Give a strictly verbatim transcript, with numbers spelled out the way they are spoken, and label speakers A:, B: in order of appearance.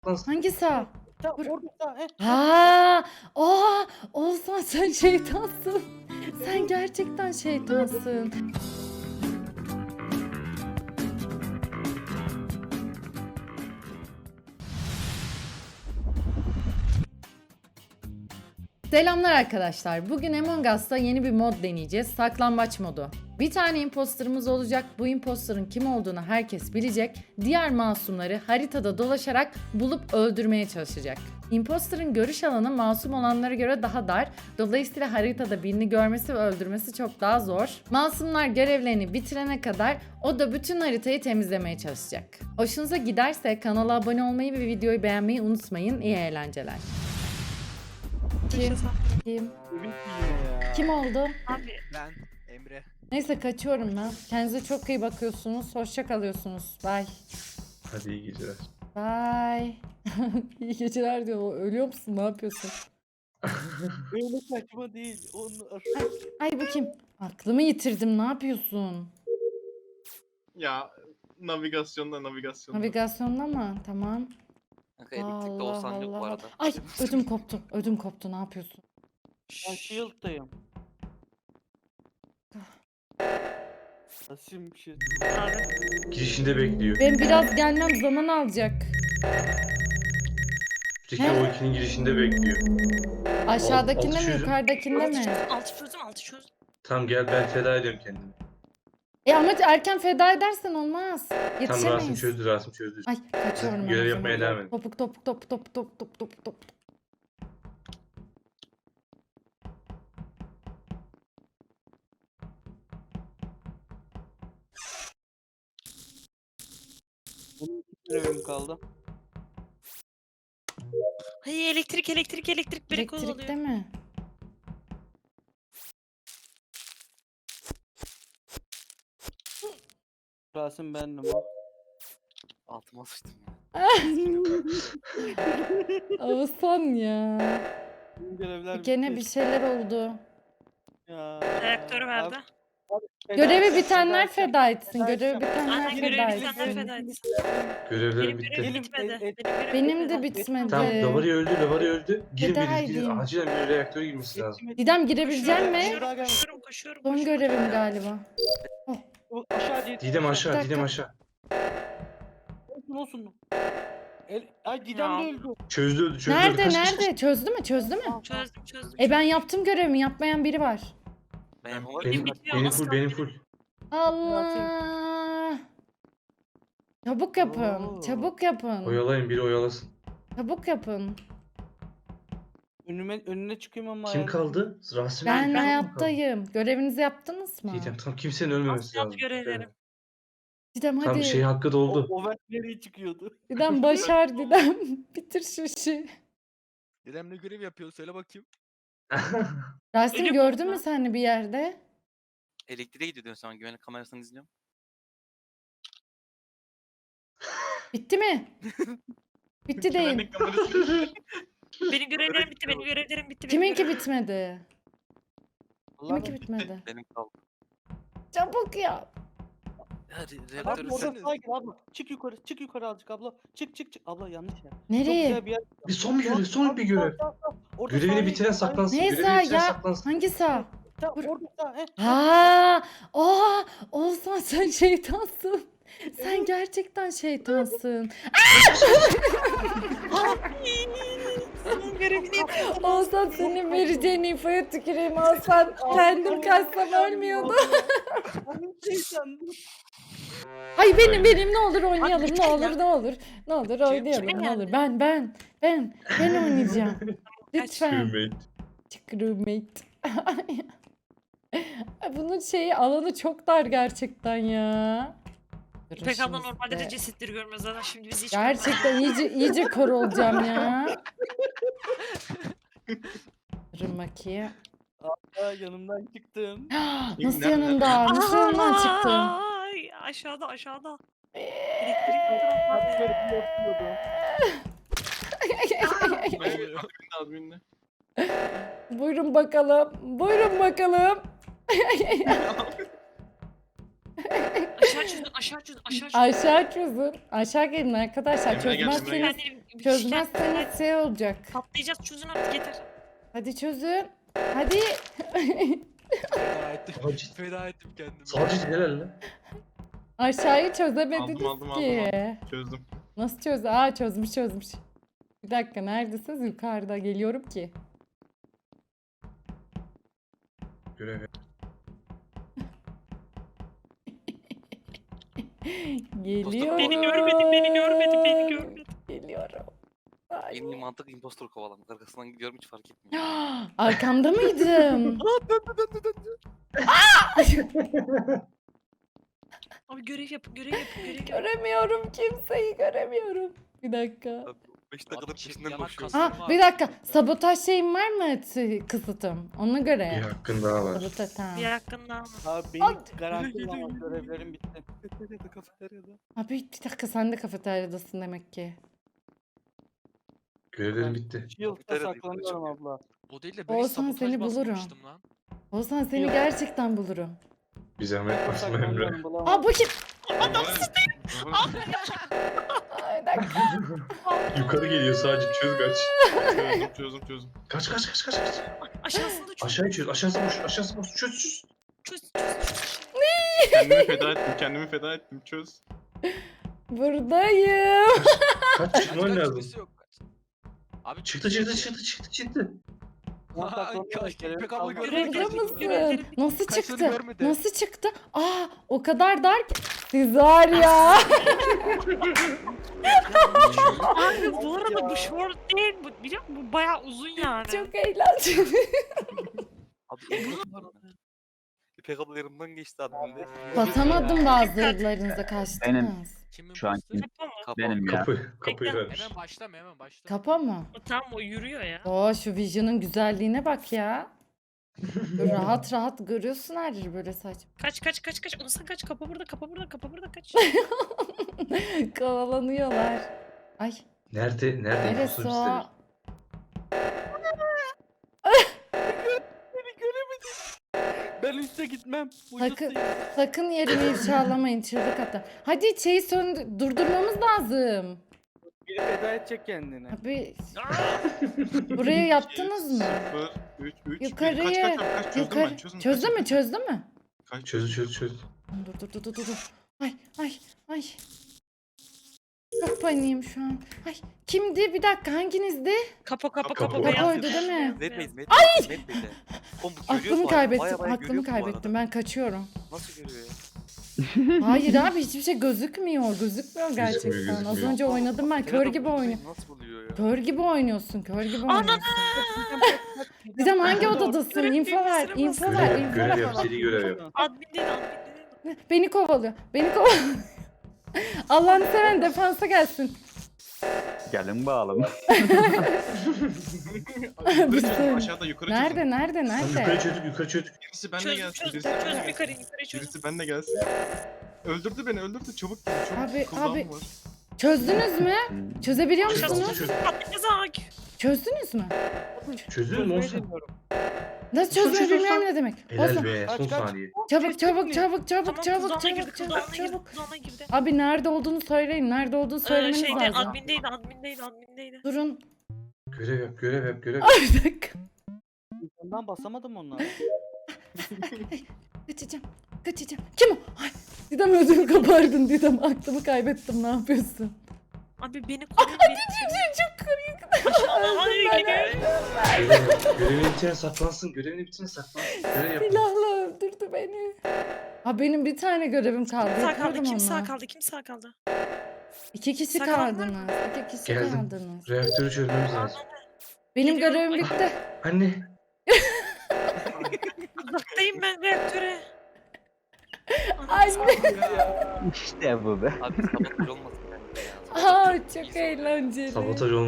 A: Hangi sağ?
B: Tam
A: Bur-
B: orada sağ. He.
A: Ha, oha, Oğuzhan sen şeytansın. Sen gerçekten şeytansın. Selamlar arkadaşlar. Bugün Among Us'ta yeni bir mod deneyeceğiz. Saklambaç modu. Bir tane imposterımız olacak. Bu imposterın kim olduğunu herkes bilecek. Diğer masumları haritada dolaşarak bulup öldürmeye çalışacak. Imposterın görüş alanı masum olanlara göre daha dar. Dolayısıyla haritada birini görmesi ve öldürmesi çok daha zor. Masumlar görevlerini bitirene kadar o da bütün haritayı temizlemeye çalışacak. Hoşunuza giderse kanala abone olmayı ve videoyu beğenmeyi unutmayın. İyi eğlenceler. Kim? Kim?
B: Evin yine ya.
A: Kim oldu?
C: Abi
D: Ben Emre.
A: Neyse kaçıyorum ben. Kendinize çok iyi bakıyorsunuz. Hoşça kalıyorsunuz. Bye.
E: Hadi iyi geceler.
A: Bye. İyi geceler diyor. Ölüyor musun? Ne yapıyorsun?
B: Öyle saçma değil. Onu
A: Ay bu kim? Aklımı yitirdim. Ne yapıyorsun?
E: Ya navigasyonda navigasyonda.
A: Navigasyonda mı? Tamam.
D: Kanka elektrikte
A: Allah
D: olsan yok bu
A: Allah.
D: arada.
A: Ay ödüm koptu. Ödüm koptu. Ne yapıyorsun?
B: ben shield'dayım. Nasıl bir şey?
C: abi.
E: Girişinde bekliyor.
A: Ben biraz gelmem zaman alacak.
E: Üstteki
A: He?
E: o ikinin girişinde bekliyor.
A: Aşağıdakinde
E: altı
A: mi?
E: çözüm.
A: Yukarıdakinde mi?
C: Altı çözdüm altı çözdüm.
E: Tamam gel ben feda ediyorum kendimi.
A: E ama erken feda edersen olmaz.
E: Tam Rasim
A: Yetişemeyiz.
E: çözdü Rasim çözdü.
A: Ay kaçıyorum ben.
E: Görev
A: o
E: yapmaya
A: zaman.
E: devam edin.
A: Topuk topuk topuk topuk topuk topuk topuk topuk.
B: Benim iki görevim kaldı.
C: Hayır elektrik elektrik elektrik biri
A: Elektrikte
C: kovalıyor.
A: mi?
B: Rasim bendim o.
D: Altıma sıçtım ya.
A: Oğuzhan ya.
B: Benim görevler
A: Gene
B: bitti.
A: bir şeyler oldu.
B: Ya.
C: Reaktörü verdi.
B: Abi, abi, feda
A: Görevi
B: edeceğim,
A: bitenler
B: edeceğim.
A: feda etsin.
B: Feda
A: Görevi
B: edeceğim.
A: bitenler
C: Aynen
A: feda
C: görevi bitenler
A: etsin.
C: feda etsin.
E: Görevlerim
C: Benim
E: bitti.
C: görevim
B: Gelin,
C: bitmedi.
B: e- e-
C: Benim görevim
A: Benim de
C: bitmedi.
A: bitmedi.
E: Tamam
A: Ee,
E: Davari öldü Davari öldü. Girin
A: feda
E: biri girin.
A: edeyim.
E: Acilen bir reaktöre girmesi lazım.
B: Yetiştim,
A: Didem girebilecek
C: Koşuyorum,
A: mi?
C: koşuyorum, koşuyorum, koşuyorum,
A: Son
C: koşuyorum.
A: görevim galiba.
B: yetiştim. Aşağı değil.
E: Didem aşağı
A: dakika.
E: Didem aşağı.
B: Olsun olsun. El, ay Didem
C: Ya.
B: de öldü.
E: Çözdü öldü çözdü öldü.
A: Nerede
E: Kaç, kaç, kaç.
A: nerede? Çözdü mü? Çözdü mü?
C: Çözdüm çözdüm.
A: E ben yaptım görevimi. Yapmayan biri var.
D: Ben
E: Benim,
D: yapamadım.
E: benim,
C: bitmiyor,
E: benim
C: az
E: full
C: kaldı.
E: benim full.
A: Allah. Çabuk yapın.
B: Oo.
A: Çabuk yapın.
E: Oyalayın biri oyalasın.
A: Çabuk yapın.
B: Önüme önüne çıkıyorum ama.
E: Kim
B: yani.
E: kaldı? Rasim
A: Ben
E: mi kaldı?
A: hayattayım. Görevinizi yaptınız mı?
E: Didem tam kimsenin ölmemesi
C: Az kaldı
E: lazım.
C: görevlerim.
A: Didem
E: Tam
A: hadi.
E: şey hakkı
B: O,
E: doldu.
B: o vent nereye çıkıyordu?
A: Didem başar Didem. Bitir şu işi.
D: Dedem ne görev yapıyor söyle bakayım.
A: Rasim
C: Ölüm
A: gördün
C: oldu.
A: mü seni bir yerde?
D: Elektriğe gidiyor sonra güvenlik kamerasını izliyorum.
A: Bitti mi? Bitti değil.
E: Güvenlik kamerası.
C: Benim görevlerim bitti. Benim görevlerim bitti. benim
A: Kiminki
C: görevlerim-
A: bitmedi?
B: Allah'ım.
A: Kiminki bitmedi?
D: Benim kaldı.
A: Çabuk yap.
D: Hadi
B: Abi
D: reaktörü
B: orada
D: sen.
B: sağa gir abla. Çık yukarı, çık yukarı azıcık abla. Çık çık çık. Abla yanlış yer. Çok
A: Nereye?
B: güzel bir yer.
E: Bir son bir görev, son bir
B: Sağ,
E: görev.
B: sağ, sağ. Orada
E: Görevini
B: sağa
E: bitiren
B: gir.
E: saklansın.
A: Neyse
E: Görevini bitiren
A: ya.
E: saklansın.
A: Hangi sağ?
B: Tamam,
A: Dur.
B: orada sağ. He.
A: Ha, oha, Oğuzhan sen şeytansın. Sen gerçekten şeytansın.
C: Benim görevini yapıyordum.
A: Oğuzhan senin vereceğin infoya tüküreyim Oğuzhan. Kendim kaçsam ölmüyordu.
B: Benim şeytandım.
A: Ay benim benim ne olur oynayalım
C: Abi,
A: ne
C: ya.
A: olur ne olur. Ne olur oynayalım
C: kime
A: ne olur.
C: geldi?
A: Ben ben ben ben oynayacağım. Lütfen.
E: Crewmate.
A: Crewmate. Ay, bunun şeyi alanı çok dar gerçekten ya. Durun
C: İpek abla
A: şimdi
C: normalde
A: size-
C: de cesetleri görmez zaten şimdi bizi hiç
A: Gerçekten iyice iyice kör olacağım ya. Durun bakayım.
B: Aa, yanımdan çıktın.
A: Nasıl
E: Nerede?
A: yanında? Nasıl yanından çıktın?
C: Ay, aşağıda aşağıda. Elektrik
B: Abi görevi yapıyordum.
E: Adminle.
A: Buyurun bakalım. Buyurun bakalım.
C: aşağı çözdün aşağı çözdün aşağı çözdün.
A: Aşağı çözün. Aşağı gelin arkadaşlar.
E: Emre gel, Emre
A: Çözmezseniz
C: Ben, Bir
A: Çözmezseniz şey olacak.
C: Patlayacağız, çözün artık yeter.
A: Hadi çözün. Hadi.
D: Feda ettim.
E: Sacit.
D: Feda ettim kendimi.
E: Sacit helal lan.
A: Aşağıyı çözemediniz
F: Aldım, aldım,
A: ki.
F: aldım, Çözdüm.
A: Nasıl çöz? Aa çözmüş çözmüş. Bir dakika neredesiniz? Yukarıda geliyorum ki.
E: Görev yap.
A: Geliyorum.
C: Beni görmedin, beni görmedin, beni görmedin.
A: Geliyorum. Ay.
D: En iyi mantık impostor kovalamak. Arkasından gidiyorum hiç fark etmiyor.
A: Arkamda mıydım?
D: Aa döndü döndü döndü.
C: Abi görev yap, görev yap, görev yap.
A: Göremiyorum kimseyi göremiyorum. Bir dakika.
D: beş dakikadır
G: çift
D: peşinden
G: yanak
D: koşuyorum.
G: kas-
A: Ha bir dakika. Sabotaj şeyim var mı t- kısıtım? Ona
E: Bir
A: göre.
E: hakkın daha var.
A: Sabotaj tamam.
C: Bir hakkında ama.
B: Abi benim garanti var görevlerim bitti.
D: Kafeteryada kafeteryada.
A: Abi bir dakika sen de kafeteryadasın demek ki.
E: Görevlerim bitti.
B: Shield'da
D: Kafeteryada
B: saklanıyorum
D: yukarı
B: abla.
G: O değil de ben
A: Oğuzhan,
G: hiç sabotaj
A: seni bulurum.
G: basmamıştım lan.
A: Oğuzhan seni
B: Yok.
A: gerçekten bulurum.
E: Bir zahmet basma Emre.
B: Saklanıyorum bulamam.
A: Aa bu kim?
F: Aa,
A: Ay, bir dakika.
E: Yukarı geliyor sadece çöz kaç.
F: Çözdüm çözdüm çözdüm.
E: Kaç kaç kaç kaç kaç.
C: Aşağısında çöz,
E: Aşağıya çöz. Aşağısı boş. Aşağısı boş. Çöz çöz.
C: çöz, çöz, çöz.
F: Kendimi feda ettim kendimi feda ettim çöz.
A: Buradayım.
E: Kaç çıkman
G: Kaç,
E: lazım.
G: birisi yok. Abi
E: Çıktı çıktı çıktı çıktı çıktı.
B: Ben
G: Ay,
B: saklanıyorum,
G: kaç-
B: görev
G: İpek abla
B: kaldı.
G: görmedi.
A: Burada
G: Görmedim,
A: mısın?
C: görmedim.
A: Nasıl
G: Kaşları
A: çıktı?
G: görmedi.
A: Nasıl çıktı? Aa o kadar dar ki. Siz var ya.
C: Abi bu arada bu short değil, bu biliyor musun? Bu bayağı uzun yani.
A: Çok eğlenceli.
D: Abi impostor var mı? İpek abla yanımdan geçti adminde.
A: Basamadım bazılarınıza kaçtınız.
G: Kimin
H: Şu an
G: bastı?
H: kim?
C: Kapa mı?
D: Kapı.
H: Benim ya.
E: Kapı. Kapıyı
C: Bekle.
E: vermiş.
G: Hemen başlama hemen başla.
A: Kapa mı?
C: O tam o yürüyor ya.
A: Oo şu Vision'ın güzelliğine bak ya. Böyle rahat rahat görüyorsun her yeri böyle saçma.
C: Kaç kaç kaç kaç. Onu sen kaç. Kapa burada, kapa burada, kapa burada kaç.
A: Kovalanıyorlar. Ay
E: Nerede? Nerede?
A: neresi
E: impostor
A: o?
E: istemiş.
B: Ben üste gitmem.
A: Sakın,
B: Ucuzsayım.
A: sakın yerimi ifşalamayın çığlık atın. Hadi şeyi söndü, durdurmamız lazım.
B: Biri feda edecek kendini.
A: Abi
C: Aa,
A: buraya yaptınız mı?
F: Sıfır, üç, üç, bir.
A: Yukarıya.
F: Kaç kaç kaç çözdüm
A: Yukarı.
F: ben çözdüm.
A: Çözdü
F: kaç-
A: mü? Çözdü mü?
F: Kaç
E: Çöz çöz çöz.
A: Dur dur dur dur dur. dur. Ay ay ay. Çok paniğim şu an. Ay kimdi? Bir dakika hanginizdi?
C: kapa kapa
E: Kapı.
C: kapa.
E: Kapı
C: beyaz
A: oydu
C: beyaz,
A: değil mi?
C: beyaz,
D: Medbey'di
C: beyaz.
D: Medbey'di. Medbey'di. Oğlum bu görüyor
A: Aklımı
D: bu arada, baya
A: kaybettim.
D: baya
A: Aklımı
D: görüyor bu arada.
A: kaybettim. Ben kaçıyorum.
D: Nasıl görüyor ya?
A: Hayır abi hiçbir şey gözükmüyor. Gözükmüyor gerçekten. Az
E: gözükmüyor.
A: önce oynadım ben. Kör gibi oynuyor.
D: Nasıl buluyor ya?
A: Kör gibi oynuyorsun. Kör gibi
C: Ana!
A: oynuyorsun. Didem hangi odadasın?
C: Görev
A: Info ver.
C: bilgisine
A: Info
C: bas.
A: ver.
E: Görev,
A: Info
E: görev
A: ver.
E: yap. Seri görev yap.
C: Admin değil, admin değil.
A: Beni kovalıyor. Beni kovalıyor. Allah'ını seven defansa gelsin.
H: Gelin bağlım.
F: Yukarı
A: Bir
F: çözdüm,
A: saniye.
F: aşağıda yukarı
A: Nerede?
F: çözdüm.
A: Nerede?
E: Lan
A: Nerede?
E: yukarı çözdük yukarı çözdük.
F: Birisi benle
C: Çöz,
F: gelsin.
C: çöz,
F: Birisi
C: çöz,
F: benle
C: çöz yukarı,
F: gelsin.
C: yukarı çöz.
F: Birisi benle gelsin. Öldürdü beni öldürdü çabuk gel çabuk.
A: Abi,
F: Cooldown
A: abi.
F: var.
A: Çözdünüz mü? Çözebiliyor
E: Çözdüm,
A: musunuz?
E: çözdüm.
C: Patlayacağız ağaç.
A: Çözdünüz mü?
E: Çözülür mü
B: Çözmeyi
E: olsun?
B: deniyorum.
A: Nasıl
E: Çöz,
A: çözmeyi
E: çöz,
A: bilmiyorum
E: çöz.
A: ne demek.
E: Helal
A: Olsun.
E: be son
B: Kaç, kaç.
E: saniye.
A: Çabuk çabuk çabuk çabuk
C: Tamam,
A: çabuk
C: kulağına girdi,
A: çabuk
C: kulağına
A: çabuk
C: girdi,
A: çabuk.
C: kulağına girdi.
A: Abi nerede olduğunu söyleyin. Nerede olduğunu
C: Ee,
A: söylemeniz
C: şeyde,
A: lazım.
C: admindeydi, admindeydi, admindeydi.
A: Durun.
E: Görev yap görev yap görev yap.
A: Ay bir dakika.
B: Ondan basamadım onları.
A: Kaçacağım. Kaçacağım. Kim o? Ay. Didem ödümü kapardın Didem. Aklımı kaybettim. Ne yapıyorsun?
C: Abi beni koruyun, beni koruyun.
A: Çok kırık.
C: Aşağıda ay gidiyor.
E: Görev yap. Görevini bitirene saklansın. Görevini bitirene saklansın. Görev yap.
A: Silahla öldürdü beni. Ha benim bir tane görevim kaldı.
C: Kim sağ kaldı,
A: Yapıyordum
C: kim sağ
A: onu.
C: kaldı, kim sağ kaldı?
A: İki kişi
C: Sağ kalan var
A: kaldınız.
C: mı?
A: İki kişi
E: Geldim.
A: kaldınız.
E: Reaktörü çözmemiz lazım.
A: Benim
C: Geliyorum.
A: görevim
C: Ay.
A: bitti.
E: Anne.
C: Uzaktayım ben reaktöre.
A: Anne.
H: İşte bu be.
D: Abi sabotaj olmasın yani.
A: Aa çok eğlenceli.
E: Sabotaj olmasın.